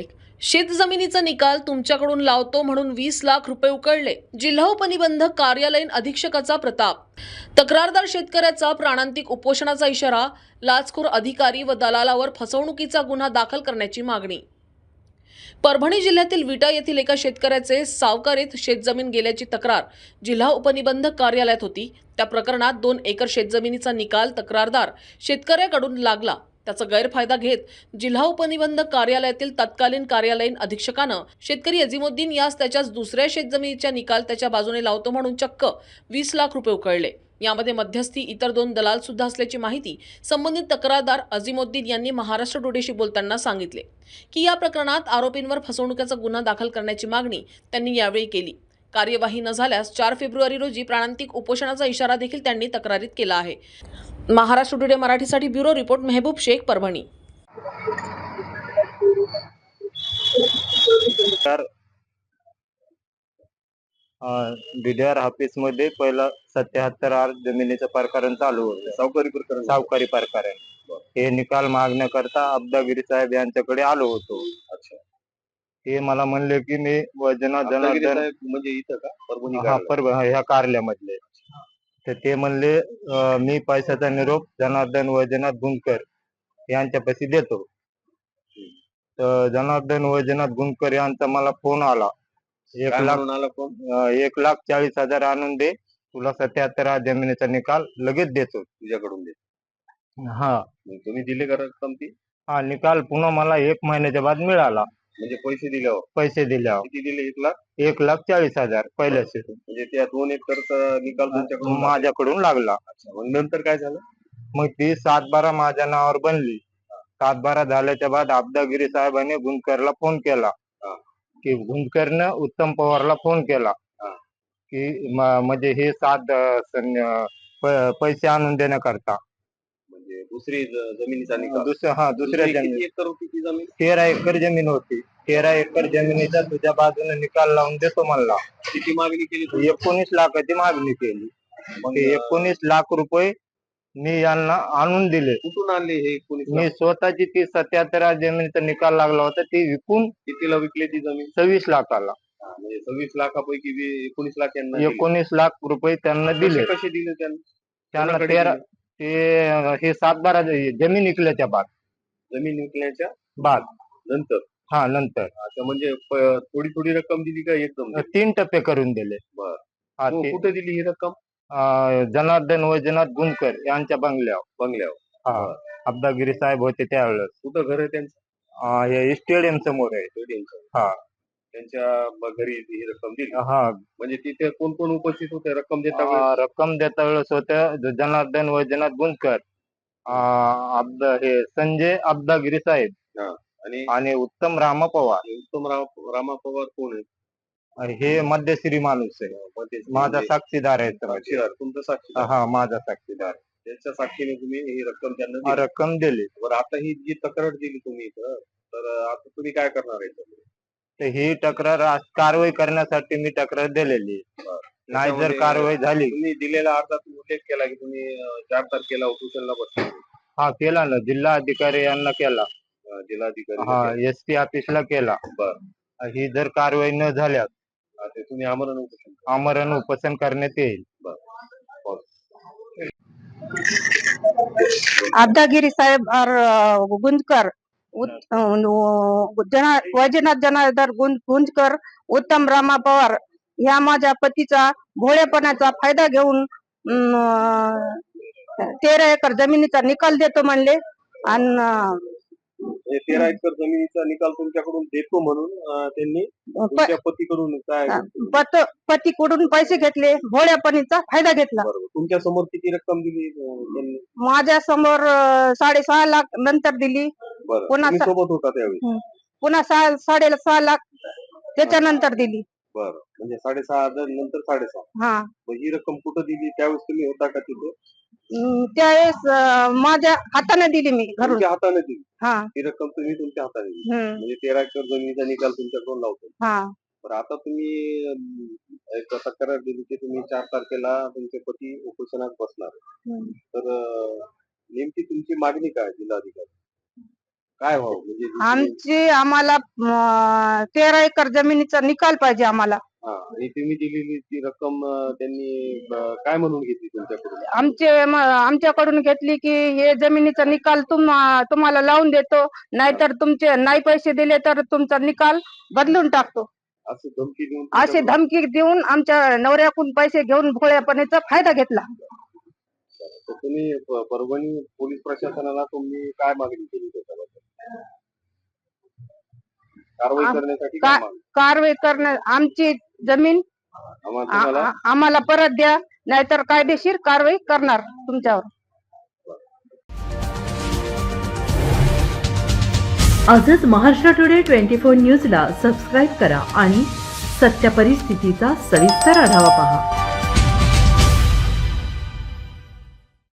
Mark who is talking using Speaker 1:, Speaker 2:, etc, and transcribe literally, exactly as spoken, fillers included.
Speaker 1: शेख, शेतजमिनीचा निकाल तुमच्याकडून लावतो म्हणून वीस लाख रुपये उकळले. जिल्हा उपनिबंधक कार्यालयीन अधीक्षकाचा प्रताप. तक्रारदार शेतकऱ्याचा प्राणांतिक उपोषणाचा इशारा. लाचखोर अधिकारी व दलालावर फसवणुकीचा गुन्हा दाखल करण्याची मागणी. परभणी जिल्ह्यातील विटा येथील एका शेतकऱ्याचे सावकारीत शेतजमीन गेल्याची तक्रार जिल्हा उपनिबंधक कार्यालयात होती. त्या प्रकरणात दोन एकर शेतजमिनीचा निकाल तक्रारदार शेतकऱ्याकडून लागला. त्याचा गैरफायदा घेत जिल्हा उपनिबंधक कार्यालयातील तत्कालीन कार्यालयीन अधीक्षकानं शेतकरी अझीमुद्दीन यास त्याच्याच दुसऱ्या शेतजमिनीचा निकाल त्याच्या बाजूने लावतो म्हणून चक्क वीस लाख रुपये उकळले. यामध्ये मध्यस्थी इतर दोन दलाल सुद्धा असल्याची माहिती संबंधित तक्रारदार अझीमुद्दीन यांनी महाराष्ट्र टुडेशी बोलताना सांगितले की या प्रकरणात आरोपींवर फसवणुकीचा गुन्हा दाखल करण्याची मागणी त्यांनी यावेळी केली. कार्यवाही न झाल्यास चार फेब्रुवारी रोजी प्राणांतिक उपोषणाचा इशारा देखील त्यांनी तक्रारीत केला आहे. महाराष्ट्र टुडे मराठीसाठी bureau report Mehboob Shaikh, Parbhani.
Speaker 2: DDR office मध्ये पहिला सत्याहत्तर आर जमिनीचं प्रकरण चालू होतं.
Speaker 3: सावकारी प्रकरण
Speaker 2: सावकारी प्रकरण हे निकाल मागण्याकरता अब्दागिरी साहेब यांच्याकडे आलो होतो.
Speaker 3: अच्छा,
Speaker 2: ते मला म्हणले की मी वजना जनार्दन
Speaker 3: म्हणजे इथं का परभणी
Speaker 2: हा परभणी ह्या कार्यालयामधले. तर ते म्हणले मी पैशाचा निरोप जनार्दन वैजनाथ गुंजकर यांच्यापाशी देतो. तर जनार्दन वैजनाथ गुंजकर यांचा मला फोन आला. एक लाख
Speaker 3: आला फोन
Speaker 2: एक लाख चाळीस हजार आणून दे, तुला सत्याहत्तर जमिनीचा निकाल लगेच देतो
Speaker 3: तुझ्याकडून दे.
Speaker 2: हा,
Speaker 3: तुम्ही दिले का रक्कम ती?
Speaker 2: हा, निकाल पुन्हा मला एक महिन्याच्या बाद मिळाला.
Speaker 3: म्हणजे पैसे दिल्यावर
Speaker 2: पैसे दिल्यावर
Speaker 3: किती दिले? एक लाख
Speaker 2: एक लाख चाळीस हजार पहिल्याच.
Speaker 3: म्हणजे त्या दोन एकरचा निकाल तुमच्याकडून
Speaker 2: माझ्याकडून लागला.
Speaker 3: मग नंतर काय झालं?
Speaker 2: मग ती सात बारा माझ्या नावावर बनली. सात बारा झाल्याच्या बाद अब्दागिरी साहेबांनी गुंजकरला फोन केला की गुंजकरनं उत्तम पवारला फोन केला की म्हणजे हे सात पैसे आणून देण्याकरता.
Speaker 3: म्हणजे दुसरी जमिनीचा निकाल?
Speaker 2: दुसऱ्या हा दुसऱ्या जमीन
Speaker 3: एकर होती ती जमीन?
Speaker 2: तेरा एकर जमीन होती. तेरा एकर जमिनीचा तुझ्या बाजूने निकाल लावून देतो म्हणला.
Speaker 3: किती मागणी केली?
Speaker 2: एकोणीस लाखाची मागणी केली. मग एकोणीस लाख रुपये मी यांना आणून दिले.
Speaker 3: कुठून आणले हे एकोणीस?
Speaker 2: मी स्वतःची ती सत्याहत्तर जमिनीचा निकाल लागला होता ती विकून.
Speaker 3: कितीला विकली ती जमीन?
Speaker 2: सव्वीस लाखाला.
Speaker 3: म्हणजे सव्वीस लाखापैकी एकोणीस लाख यांना
Speaker 2: एकोणीस लाख रुपये त्यांना दिले.
Speaker 3: कसे दिले त्यांना?
Speaker 2: त्यांना तेरा ते हे सात बारा जमीन विकल्याच्या बाद.
Speaker 3: जमीन विकल्याच्या
Speaker 2: बाद
Speaker 3: नंतर?
Speaker 2: हा, नंतर.
Speaker 3: अच्छा, म्हणजे थोडी थोडी रक्कम दिली का एकदम?
Speaker 2: तीन टप्पे करून दिले.
Speaker 3: बर.
Speaker 2: हा,
Speaker 3: कुठे दिली ही रक्कम?
Speaker 2: जनार्दन वैजनाथ गुंजकर यांच्या बंगल्यावर.
Speaker 3: बंगल्यावर
Speaker 2: हा, अब्दागिरी साहेब होते त्यावेळेस.
Speaker 3: कुठं घर आहे त्यांचं?
Speaker 2: हे स्टेडियम समोर आहे.
Speaker 3: स्टेडियम.
Speaker 2: हा,
Speaker 3: त्यांच्या घरी ही रक्कम दिली.
Speaker 2: हा.
Speaker 3: म्हणजे तिथे कोण कोण उपस्थित होते रक्कम देता वेळेस?
Speaker 2: रक्कम देता वेळेस होते जनार्दन वैजनाथ गुंजकर, हे संजय अब्दागिरी साहेब
Speaker 3: आणि
Speaker 2: आणि उत्तम रामा पवार.
Speaker 3: उत्तम रामा पवार कोण आहे?
Speaker 2: हे मध्यश्री माणूस आहे, माझा साक्षीदार आहे.
Speaker 3: साक्षीदार? तुमचा साक्षीदार?
Speaker 2: हा, माझा साक्षीदार.
Speaker 3: त्याच्या साक्षीने तुम्ही ही रक्कम त्यांना
Speaker 2: रक्कम दिली.
Speaker 3: बरं, आता ही जी तक्रार दिली तुम्ही इथं, तर आता तुम्ही काय करणार आहे?
Speaker 2: तर ही तक्रार कारवाई करण्यासाठी मी तक्रार दिलेली. नाही जर कारवाई झाली.
Speaker 3: तुम्ही दिलेला अर्जात उल्लेख केला की तुम्ही चार तारखेला उपोषणला बसले.
Speaker 2: हा, केला ना. जिल्हा अधिकारी यांना केला.
Speaker 3: जिल्हाधिकारी?
Speaker 2: हा, एस टी ऑफिसला केला.
Speaker 3: बर.
Speaker 2: ही जर कारवाई न झाल्यास
Speaker 3: तुम्ही आमरण उपोषण
Speaker 2: आमरण उपोषण करण्यात येईल.
Speaker 4: अब्दागिरी साहेब और गुंजकर, वैजनाथ जनार्दन गुंजकर, उत्तम रामा पवार ह्या माझ्या पतीचा भोळेपणाचा फायदा घेऊन तेरा एकर जमिनीचा निकाल देतो म्हणले. आणि
Speaker 3: तेरा एकर जमिनीचा निकाल तुमच्याकडून देतो म्हणून त्यांनी तुमच्या पतीकडून काय
Speaker 4: पतीकडून पैसे घेतले, भोळेपणीचा फायदा घेतला.
Speaker 3: तुमच्या समोर किती रक्कम दिली त्यांनी?
Speaker 4: माझ्या समोर साडेसहा लाख नंतर दिली.
Speaker 3: पुन्हा सोबत होता त्यावेळी?
Speaker 4: पुन्हा सहा साडेसहा लाख त्याच्यानंतर दिली.
Speaker 3: बरं, म्हणजे साडेसहा हजार नंतर साडेसहा.
Speaker 4: हा.
Speaker 3: ही रक्कम कुठं दिली? त्यावेळेस तुम्ही होता का तिथे?
Speaker 4: त्यावेळेस माझ्या हाताने दिली मी घरून.
Speaker 3: तुमच्या हाताने दिली?
Speaker 4: हा.
Speaker 3: ही रक्कम तुम्ही तुमच्या हाताने दिली म्हणजे तेरा एकर जमिनीचा निकाल तुमच्याकडून लावतो.
Speaker 4: हा.
Speaker 3: बरं, आता तुम्ही एक तक्रार दिली की तुम्ही चार तारखेला तुमचे पती उपोषणात बसणार. तर नेमकी तुमची मागणी काय जिल्हाधिकारी? काय व्हावं म्हणजे दुसरी-
Speaker 4: आमची आम्हाला अं, तेरा एकर जमिनीचा निकाल पाहिजे आम्हाला.
Speaker 3: हा, आणि तुम्ही दिलेली ती रक्कम अं, त्यांनी अं, काय म्हणून घेतली तुमच्याकडून?
Speaker 4: आमचे म- आमच्याकडून घेतली की हे जमिनीचा निकाल तुम तुम्हाला लावून देतो, नाहीतर तुमचे नाही पैसे दिले तर तुमचा निकाल बदलून टाकतो,
Speaker 3: असं धमकी देऊन
Speaker 4: अशी धमकी देऊन आमच्या नवऱ्याकडून पैसे घेऊन भोळेपणीचा फायदा घेतला.
Speaker 3: तर तुम्ही प- परभणी पोलीस प्रशासनाला तुम्ही काय मागणी केली त्याच्याबद्दल? कारवाई
Speaker 4: आम-
Speaker 3: करण्यासाठी
Speaker 4: का-
Speaker 3: काय मागणी?
Speaker 4: कारवाई करणं, आमची जमीन
Speaker 3: आम्हा-
Speaker 4: आ-
Speaker 3: तुम्हाला
Speaker 4: आ- आम्हाला परत द्या, नाहीतर कायदेशीर कारवाई करणार तुमच्यावर.
Speaker 5: आजच महाराष्ट्र टुडे ट्वेंटी फोर न्यूजला सबस्क्राईब करा आणि सत्य परिस्थितीचा सविस्तर आढावा पहा.